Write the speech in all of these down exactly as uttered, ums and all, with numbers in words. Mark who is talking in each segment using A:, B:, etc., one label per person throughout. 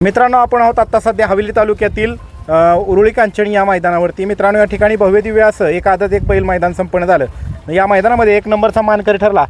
A: मित्रांनो, आपण आहोत आता सध्या हवेली तालुक्यातील उरुळी कांचणी या मैदानावरती. मित्रांनो, या ठिकाणी भव्य दिव्य असं एक आदत एक बैल मैदान संपन्न झालं. या मैदानामध्ये एक नंबरचा मानकरी ठरला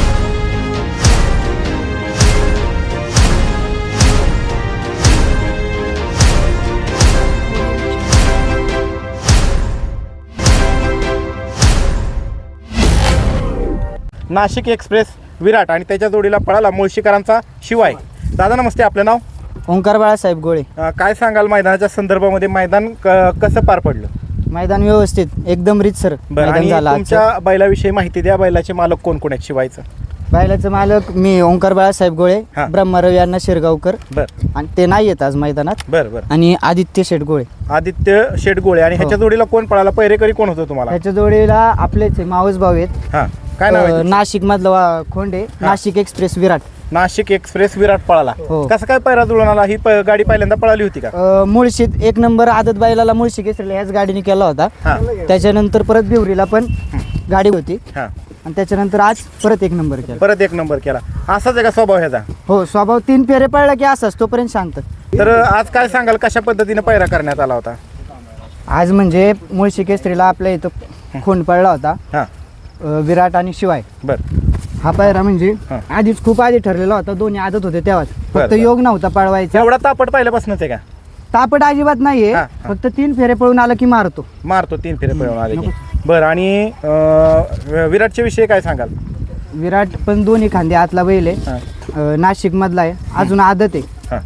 A: नाशिक एक्सप्रेस विराट आणि त्याच्या जोडीला पळाला मुळशीकरांचा शिवाय. दादा नमस्ते, आपलं नाव?
B: ओंकार बाळासाहेब गोळे.
A: काय सांगाल मैदानाच्या संदर्भामध्ये? मैदान कसं पार पडलं?
B: मैदान व्यवस्थित एकदम रीतसर मैदान झालं.
A: तुमच्या बैलाविषयी माहिती द्या. बैलाचे मालक कोण कोण आहेत शिवायचं?
B: बैलाचं मालक मी ओंकार बाळासाहेब गोळे, ब्रह्मरव यांना शिरगावकर.
A: बरं.
B: आणि ते नाही येत आज मैदानात.
A: बरं बरं.
B: आणि आदित्य शेट गोळे.
A: आदित्य शेट गोळे. आणि ह्याच्या जोडीला कोण पळाला? पहिरेकरी कोण होतं तुम्हाला?
B: ह्याच्या जोडीला आपलेच मावस भाऊ आहेत.
A: हां, काय नाव आहे?
B: नाशिक मधला खोंडे. नाशिक एक्सप्रेस विराट.
A: नाशिक एक्सप्रेस विराट पळाला. कसं काय पैरा जुळून आला? ही गाडी पहिल्यांदा पळाली होती का?
B: मुळशीत एक नंबर आदत बैलाला मुळशी केसरीला ह्याच गाडीने केला होता. त्याच्यानंतर परत बिवरीला पण गाडी होती. आणि त्याच्यानंतर आज परत एक नंबर केला.
A: परत एक नंबर केला. असाच आहे का स्वभाव ह्याचा?
B: हो, स्वभाव तीन फेरे पडला की असाच, तोपर्यंत शांत.
A: तर आज काय सांगाल, कशा पद्धतीने पैरा करण्यात आला होता?
B: आज म्हणजे मुळशी केसरीला आपल्या इथं खून पडला होता, विराट आणि शिवाय.
A: बरं.
B: हा पायरा म्हणजे आधीच खूप आधी ठरलेला होता. दोन्ही आदत होते तेव्हाच, फक्त योग नव्हता पळवायचा.
A: एवढा तापट पहिल्यापासूनच आहे का?
B: तापट अजिबात नाहीये, फक्त तीन फेरे पळून आला की मारतो
A: मारतो तीन फेरे पळून आले की. बरं. आणि विराटच्या विषयी काय सांगाल?
B: विराट पण दोन्ही खांदे आतला बैल आहे, नाशिक मधला आहे, अजून आदत आहे.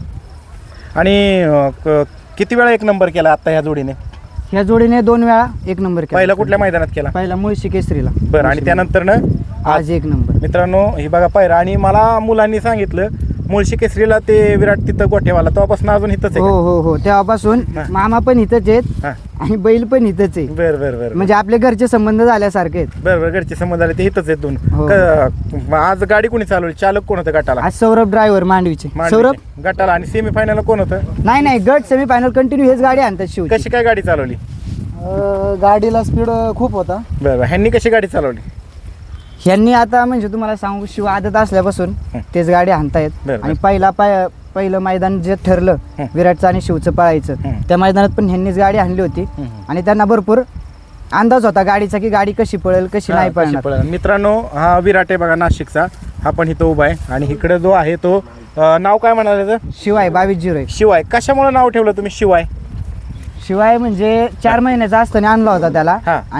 A: आणि किती वेळा एक नंबर केला आता ह्या जोडीने?
B: ह्या जोडीने दोन वेळा एक नंबर केला.
A: पहिला कुठल्या मैदानात केला?
B: पहिला मुळशी केसरीला.
A: बरं. आणि त्यानंतर ना
B: आज एक नंबर.
A: मित्रांनो, ही बघा पायरा. आणि मला मुलांनी सांगितलं मुळशी केसरीला ते विराट तिथं गोठेवाला तेव्हापासून अजून इथंच आहे.
B: हो हो हो, तेव्हापासून मामा पण इथंच आहेत आणि बैल पण इथंच आहे.
A: बरं बरं बरं.
B: म्हणजे आपले घरचे संबंध झाल्यासारखे आहेत.
A: बरं बरं. घरचे संबंध झाले ते इथंच आहेत दोन. आज गाडी कोणी चालवली? चालक कोण होतं गटाला?
B: आज सौरभ ड्रायव्हर मांडवीचे. सौरभ
A: गटाला. आणि सेमीफायनल कोण होतं?
B: नाही नाही, गट सेमीफायनल कंटिन्यू हेच गाडी आणतात. शिव
A: कशी काय गाडी चालवली?
B: गाडीला स्पीड खूप होता.
A: बरं. ह्यांनी कशी गाडी चालवली?
B: ह्यांनी आता म्हणजे तुम्हाला सांगू, शिव आदत असल्यापासून तेच गाडी आणतायत. आणि पहिला पाय पहिलं मैदान जे ठरलं विराटचं आणि शिवचं पळायचं, त्या मैदानात पण ह्यांनीच गाडी आणली होती. आणि त्यांना भरपूर अंदाज होता गाडीचा की गाडी कशी पळेल कशी नाही पळणार.
A: मित्रांनो, हा विराट आहे बघा नाशिकचा. हा पण इथं उभा आहे. आणि इकडे जो आहे तो नाव काय म्हणाले?
B: शिवाय. बावीस झिरो एक.
A: शिवाय. कशामुळे नाव ठेवलं तुम्ही शिवाय?
B: शिवाय म्हणजे चार महिन्याचा असताना आणला होता त्याला.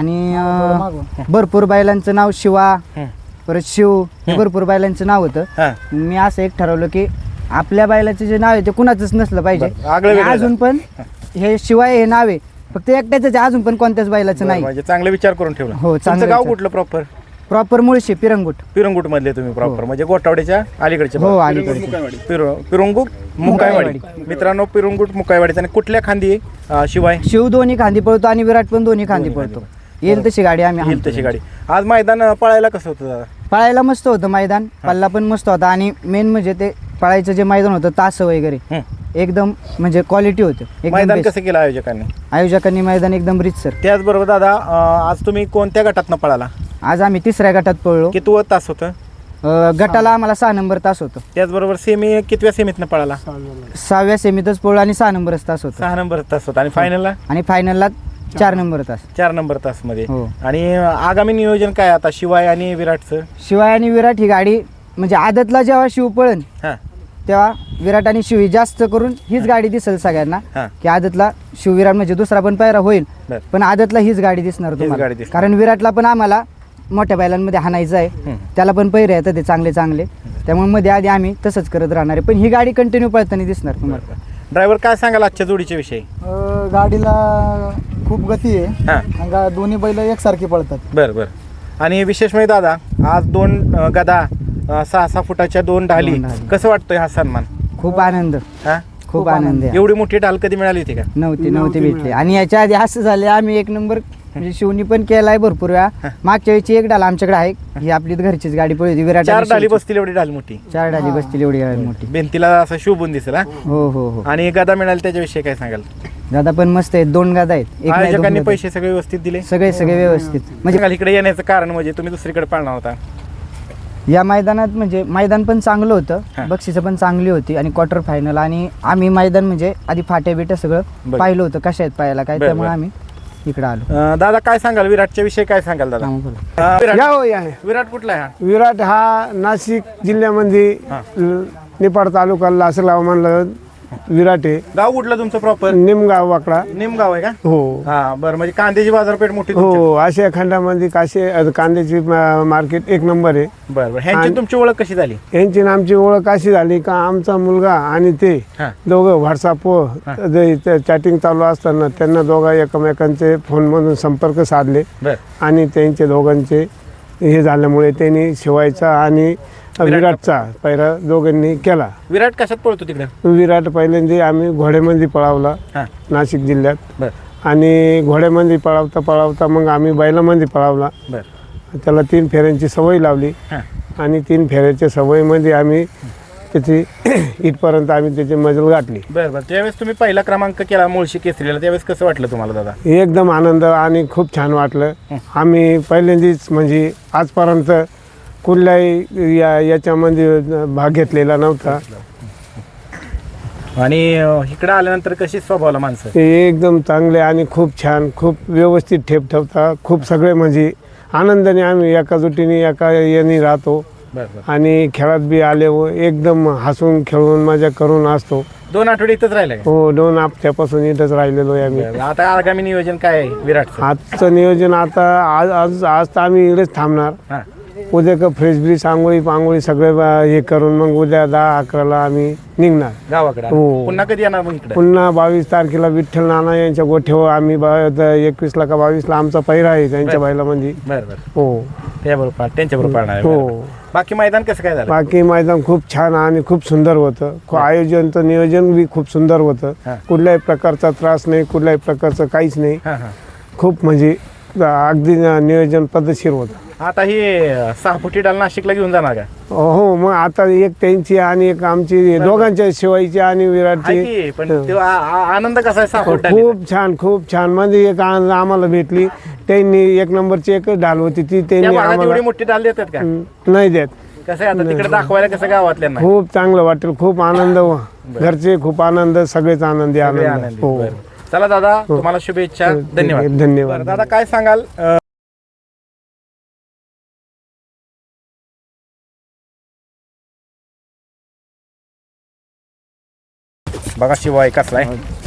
B: आणि भरपूर बैलांचं नाव शिवा, परत शिव, हे भरपूर बैलांचं नाव होतं. मी असं एक ठरवलं की आपल्या बैलाचं जे नाव आहे ते कुणाचंच नसलं पाहिजे. अजून पण हे शिवाय हे नाव आहे फक्त एकट्याच, अजून पण कोणत्याच बैलाचं नाही.
A: म्हणजे चांगला विचार करून ठेवला.
B: हो.
A: चांगलं. गाव कुठलं प्रॉपर?
B: प्रॉपर मुळशी पिरंगुट.
A: पिरंगुट मधले तुम्ही प्रॉपर? म्हणजे गोटावड्याच्या अलीकडचे?
B: हो, अलीकडचे.
A: पिरंगुट मुकाईवाडी. मित्रांनो, पिरंगुट मुकाईवाडीचा. आणि कुठल्या खांदी शिवाय?
B: शिव दोन्ही खांदी पळतो आणि विराट पण दोन्ही खांदी पळतो. येईल तशी गाडी आम्ही
A: येईल तशी गाडी. आज मैदान पळायला कसं होतं दादा?
B: पळायला मस्त होतं मैदान. पल्ला पण मस्त होता. आणि मेन म्हणजे ते पळायचं जे मैदान होतं, तास वगैरे एकदम म्हणजे क्वालिटी होतं.
A: मैदान कसं केलं आयोजकांनी?
B: आयोजकांनी मैदान एकदम रीतसर.
A: त्याचबरोबर दादा, आज तुम्ही कोणत्या गटातनं पळाला?
B: आज आम्ही तिसऱ्या गटात पळलो.
A: किती तास होतं?
B: गटाला आम्हाला सहा नंबर तास होतं.
A: त्याचबरोबर सेमी कितव्या सेमीतनं पळाला?
B: सहाव्या सेमीतच पळलो आणि सहा नंबर तास होता.
A: सहा नंबर तास होता. आणि फायनलला?
B: आणि फायनलला चार नंबर तास.
A: चार नंबर तास मध्ये. आणि आगामी नियोजन काय आता शिवाय आणि विराटचं?
B: शिवाय आणि विराट ही गाडी म्हणजे आदतला जेव्हा शिव पळन तेव्हा विराट आणि शिव ही जास्त करून हीच गाडी दिसेल सगळ्यांना. की आदतला शिव विराट म्हणजे दुसरा पण पायरा होईल, पण आदतला हीच गाडी दिसणार तुम्हाला. कारण विराटला पण आम्हाला मोठ्या बैलांमध्ये हाणायचं आहे. त्याला पण पैरे येतात ते चांगले चांगले. त्यामुळे मध्ये आधी आम्ही तसंच करत राहणार आहे. पण ही गाडी कंटिन्यू पळताना दिसणार तुम्हाला.
A: ड्रायव्हर, काय सांगाल आजच्या जोडीच्या विषयी?
C: गाडीला खूप गती आहे. दोन्ही बैल एकसारखी पळतात.
A: बरं बरं. आणि विशेष म्हणजे दादा, आज दोन गदा, सहा सहा फुटाच्या दोन ढाली. कसं वाटतोय हा सन्मान?
B: खूप आनंद. हा, खूप आनंद.
A: एवढी मोठी ढाल कधी मिळाली होती का?
B: नव्हती नव्हती भेटली. आणि याच्या आधी असं झालं, आम्ही एक नंबर म्हणजे शिवनी पण केलाय भरपूर वेळा. मागच्या वेळची एक डाल आमच्याकडे आहे, ही आपली घरचीच गाडी पळली होती. विराट
A: चार डाली बसतील एवढी ढाल मोठी.
B: चार डाली बसतील एवढी गाडी मोठी.
A: भिंतीला असं शोभून दिसेल.
B: हो हो हो.
A: आणि गदा मिळाली त्याच्याविषयी काय सांगाल?
B: गदा पण मस्त आहेत. दोन गदा आहेत.
A: आयोजकांनी पैसे सगळे व्यवस्थित दिले?
B: सगळे सगळे व्यवस्थित.
A: म्हणजे इकडे येण्याचं कारण म्हणजे तुम्ही दुसरीकडे पाळणार होता?
B: या मैदानात म्हणजे मैदान पण चांगलं
A: हा.
B: होतं, बक्षिसं पण चांगली होती आणि क्वार्टर फायनल आणि आम्ही मैदान म्हणजे आधी फाट्या बिट्या सगळं
A: बरं.
B: पाहिलं होतं कशा आहेत पाहायला काय,
A: बरं,
B: त्यामुळे
A: बरं.
B: आम्ही इकडे आलो.
A: अं, दादा काय सांगाल विराटच्या विषयी काय सांगाल दादा?
B: हा, बोला.
A: अं, विराट
D: या हो या
A: विराट कुठला आहे हा?
D: विराट हा नाशिक जिल्ह्यामध्ये
A: हा.
D: ल- निपाड तालुका लासलगाव म्हणलं विराट आहे.
A: गाव कुठलं तुमचं प्रॉपर?
D: निमगाव वाकडा.
A: निमगाव आहे का?
D: हो
A: हा बरं, म्हणजे कांद्याची बाजारपेठ मोठी तुमची?
D: हो आशिया खंडामध्ये काशे अ, कांद्याची मा- मार्केट एक नंबर आहे.
A: बरं बरं, ह्यांची
D: आणि-
A: तुमची ओळख कशी झाली?
D: यांची आणि आमची ओळख अशी झाली का आमचा मुलगा आणि ते
A: हा.
D: दोघं व्हॉट्सअपवर चॅटिंग चालू असताना त्यांना दोघा एकमेकांचे फोनमधून संपर्क साधले
A: बरं
D: आणि त्यांचे दोघांचे हे झाल्यामुळे त्यांनी शिवायचा आणि विराटचा पैरा दोघांनी केला.
A: विराट कशात पळतो तिकडे?
D: विराट पहिल्यांदा आम्ही घोड्यामध्ये पळावला
A: हा
D: नाशिक जिल्ह्यात
A: बरं
D: आणि घोड्यामध्ये पळावता पळावता मग आम्ही बैलामध्ये पळावला.
A: बरं
D: त्याला तीन फेऱ्यांची सवय लावली
A: हा
D: आणि तीन फेऱ्याच्या सवयीमध्ये आम्ही त्याची इथपर्यंत आम्ही त्याची मजल गाठली.
A: बरं बरं, त्यावेळेस तुम्ही पहिला क्रमांक केला मुळशी केसरीला, त्यावेळेस कसं वाटलं तुम्हाला दादा?
D: एकदम आनंद आणि खूप छान वाटलं. आम्ही पहिल्यांदाच म्हणजे आजपर्यंत कुठल्याही या याच्यामध्ये भाग घेतलेला नव्हता.
A: आणि अं, इकडं आल्यानंतर कशी स्वभावला माणसं?
D: ते एकदम चांगले आणि खूप छान, खूप व्यवस्थित ठेप ठेवता. खूप सगळे म्हणजे आनंदाने आम्ही एका जुटीने एका याने राहतो
A: बरं बरं,
D: आणि खेळात बी आले व एकदम हसून खेळून मजा करून असतो.
A: दोन आठवडे इथंच राहिलं का?
D: हो दोन हप्त्यापासून इथंच राहिलेलो आहे आम्ही.
A: बरं, आता आगामी नियोजन काय आहे विराटचं?
D: आजचं नियोजन आता आज आज आज तर आम्ही इकडेच थांबणार.
A: हां
D: उद्या का फ्रेश ब्रिज आंघोळी पांघोळी सगळे बा- हे करून मग उद्या दहा अकराला आम्ही निघणार.
A: गावाकडे
D: हो.
A: पुन्हा कधी येणार मग इकडे?
D: पुन्हा बावीस तारखेला विठ्ठल नाना यांच्या गोठ्यावर आम्ही एकवीसला का बावीसला आमचा पहिरा आहे त्यांच्या
A: बरं.
D: बैलामध्ये.
A: बरं बरं,
D: हो
A: त्याबरोबर त्यांच्याबरोबर पाळणार आहे.
D: हो
A: बरं. बाकी मैदान कसं काय झालं?
D: बाकी मैदान खूप छान आणि खूप सुंदर होतं. खू- आयोजनचं नियोजन बी खूप सुंदर होतं.
A: हां.
D: कुठल्याही प्रकारचा त्रास नाही, कुठल्याही प्रकारचं काहीच नाही.
A: हां हां,
D: खूप म्हणजे अगदी नियोजन पद्धतशीर होतं.
A: आता ही अं, सहा फुटी डाल नाशिकला घेऊन जाणार का?
D: हो मग आता एक त्यांची आणि एक आमची दोघांच्या शिवायची आणि
A: आहे
D: विराटची.
A: की, पण तो आ- आ- आनंद कसा आहे सहा फूट डालीचा?
D: खूप छान खूप छान म्हणजे एक आनंद आम्हाला भेटली. त्यांनी एक नंबरची एक ढाल होती ती
A: त्या
D: त्यांनी
A: भागात एवढी
D: आम्हाला
A: मोठी डाल देतात का?
D: नाही देत.
A: कसं आहे आता तिकडे दाखवायला कसं गावातल्यांना?
D: खूप चांगलं वाटेल, खूप आनंद व घरचे खूप आनंद, सगळेच आनंदी
A: सगळे
D: आनंद.
A: आनंदी.
D: हो
A: बरं. चला दादा, तुम्हाला शुभेच्छा, धन्यवाद.
D: धन्यवाद.
A: बरं, दादा काय सांगाल? अं, बघा शिवाय कसला आहे.